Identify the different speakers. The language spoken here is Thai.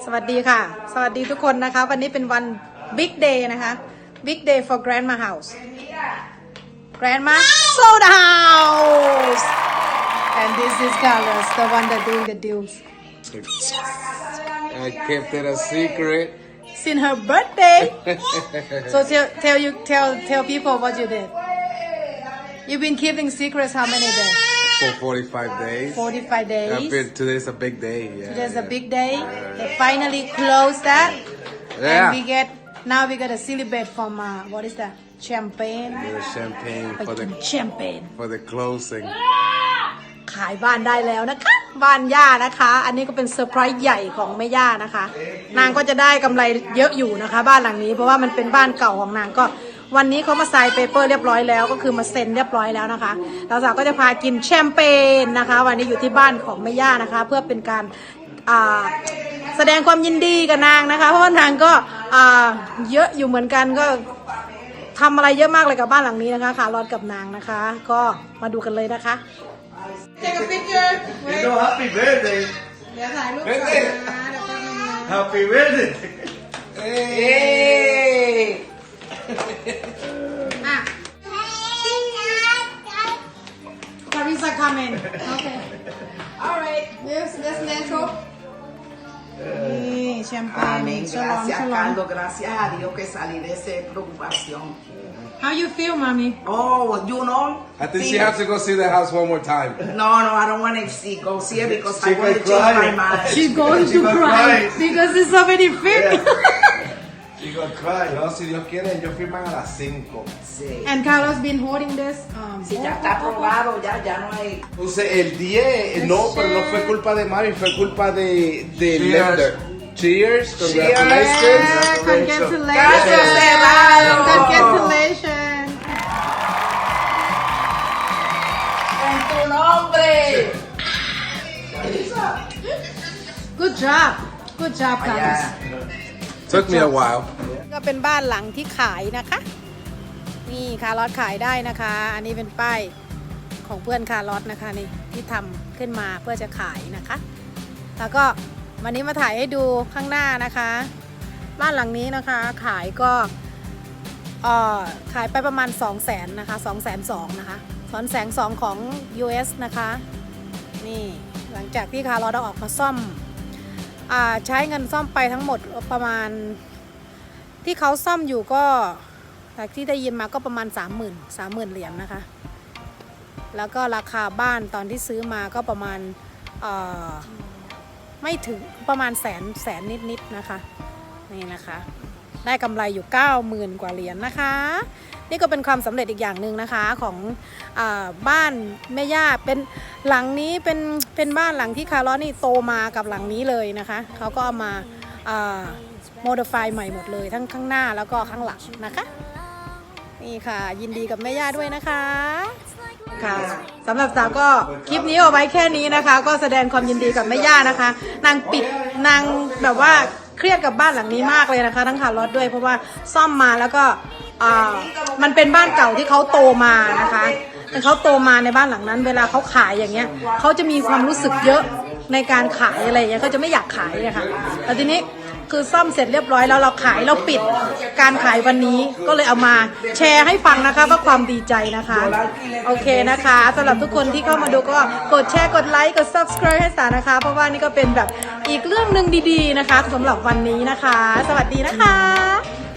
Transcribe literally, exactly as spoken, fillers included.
Speaker 1: วัสดีค่ะสวัสดีทุกคนนะคะวันนี้เป็นวัน Big Day นะคะ Big Day for Grandma House Grandma sold the house and this is Carlos the one that doing the deals
Speaker 2: I kept it a secret
Speaker 1: since her birthday so tell tell you tell tell people what you did you've been keeping secrets how many days
Speaker 2: for forty-five days.
Speaker 1: forty-five days.
Speaker 2: I feel today's a big day. Yeah,
Speaker 1: Today's
Speaker 2: yeah.
Speaker 1: a big day. They finally closed that.
Speaker 2: Yeah.
Speaker 1: And we get now we got a celebrate from uh, what is that? Champagne.
Speaker 2: The champagne
Speaker 1: ไป
Speaker 2: for
Speaker 1: กิ
Speaker 2: the
Speaker 1: นแชมเปญ
Speaker 2: for the closing.
Speaker 1: ขายบ้านได้แล้วนะคะ บ้านย่านะคะ อันนี้ก็เป็นเซอร์ไพรส์ใหญ่ของแม่ย่านะคะ นางก็จะได้กำไรเยอะอยู่นะคะ บ้านหลังนี้เพราะว่ามันเป็นบ้านเก่าของนางก็วันนี้เขามาไซน์เปเปอร์เรียบร้อยแล้วก็คือมาเซ็นเรียบร้อยแล้วนะคะเราสาวก็จะพากินแชมเปญนะคะวันนี้อยู่ที่บ้านของแม่ย่านะคะ เพื่อเป็นการอ่าแสดงความยินดีกับนางนะคะเพราะว่านางก็อ่าเยอะอยู่เหมือนกันก็ทำอะไรเยอะมากเลยกับบ้านหลังนี้นะคะค่ะรอดกับนางนะคะ ก็มาดูกันเลยนะคะ Take a picture
Speaker 3: You know, happy birthday.
Speaker 1: เดี๋ยวถ่ายรูปก่อนนะเดี๋ยวแป๊บนึงนะ
Speaker 3: Happy birthday.
Speaker 2: Hey!
Speaker 1: อ่ะ Carissa coming okay alright this this natural นี่แชมเปญ
Speaker 4: Amén.
Speaker 1: ฉลอง
Speaker 4: Gracias,
Speaker 1: ฉลอง
Speaker 4: Carlos. Gracias a Dios que salí de esa preocupación.
Speaker 1: How you feel mommy
Speaker 4: Oh, you know.
Speaker 2: I think she has to go see the house one more time.
Speaker 4: No, no, I don't want to see go see it because
Speaker 3: She
Speaker 4: I want to
Speaker 3: gonna
Speaker 4: change
Speaker 3: cry.
Speaker 4: my mind.
Speaker 1: she's going
Speaker 3: She
Speaker 1: to
Speaker 3: gonna
Speaker 1: cry
Speaker 3: cry.
Speaker 1: because there's so many things
Speaker 3: You gonna cry.
Speaker 2: No, si Dios quiere, ellos firman a las cinco.
Speaker 4: Sí.
Speaker 1: and Carlos been holding this um
Speaker 4: Sí, ya está aprobado, ya, ya no hay.
Speaker 2: Entonces, el diez, no, pero no fue culpa de Mami, fue culpa de, de
Speaker 3: Cheers.
Speaker 2: Lender. Cheers,
Speaker 1: yeah,
Speaker 2: congratulations.
Speaker 1: congratulations
Speaker 4: Gracias, cerrado.
Speaker 1: congratulations
Speaker 4: En tu nombre.
Speaker 1: good job good job Carlos
Speaker 4: Allá.
Speaker 2: Took me a while.
Speaker 1: ก็เป็นบ้านหลังที่ขายนะคะ นี่คาร์ลอตขายได้นะคะ อันนี้เป็นป้ายของเพื่อนคาร์ลอตนะคะนี่ที่ทำขึ้นมาเพื่อจะขายนะคะ แล้วก็วันนี้มาถ่ายให้ดูข้างหน้านะคะ บ้านหลังนี้นะคะ ขายก็เอ่อขายไปประมาณ สองแสน นะคะ สองแสนสอง นะคะสองแสนสองของ ยู เอส นะคะนี่หลังจากที่คาร์ลอตเอาออกมาซ่อมอ่าใช้เงินซ่อมไปทั้งหมดประมาณที่เขาซ่อมอยู่ก็จากที่ได้ยินมาก็ประมาณ สามหมื่น สามหมื่น เหรียญนะคะแล้วก็ราคาบ้านตอนที่ซื้อมาก็ประมาณเอ่อไม่ถึงประมาณแสนแสนนิดๆนะคะนี่นะคะได้กำไรอยู่ เก้าหมื่น กว่าเหรียญนะคะนี่ก็เป็นความสำเร็จอีกอย่างหนึ่งนะคะของอ่าบ้านแม่ย่าเป็นหลังนี้เป็นเป็นบ้านหลังที่คาร์ลอสนี่โตมากับหลังนี้เลยนะคะเขาก็เอามาโมดิฟายใหม่หมดเลยทั้งข้างหน้าแล้วก็ข้างหลังนะคะนี่ค่ะยินดีกับแม่ย่าด้วยนะคะค่ะสำหรับสาวก็คลิปนี้เอาไว้แค่นี้นะคะก็แสดงความยินดีกับแม่ย่านะคะนางปิดนางแบบว่าเครียดกับบ้านหลังนี้มากเลยนะคะทั้งคาร์ลอสด้วยเพราะว่าซ่อมมาแล้วก็อ่ามันเป็นบ้านเก่าที่เขาโตมานะคะแต่เขาโตมาในบ้านหลังนั้นเวลาเขาขายอย่างเงี้ยเขาจะมีความรู้สึกเยอะในการขายอะไรอย่างเงี้ยเขาจะไม่อยากขายนะคะแต่ทีนี้คือซ่อมเสร็จเรียบร้อยแล้วเราขายเราปิดการขายวันนี้ก็เลยเอามาแชร์ให้ฟังนะคะว่าความดีใจนะคะโอเคนะคะสำหรับทุกคนที่เข้ามาดูก็กดแชร์กดไลค์กด ซับสไครบ์ ให้สานะคะเพราะว่านี่ก็เป็นแบบอีกเรื่องหนึ่งดีๆนะคะสำหรับวันนี้นะคะสวัสดีนะคะ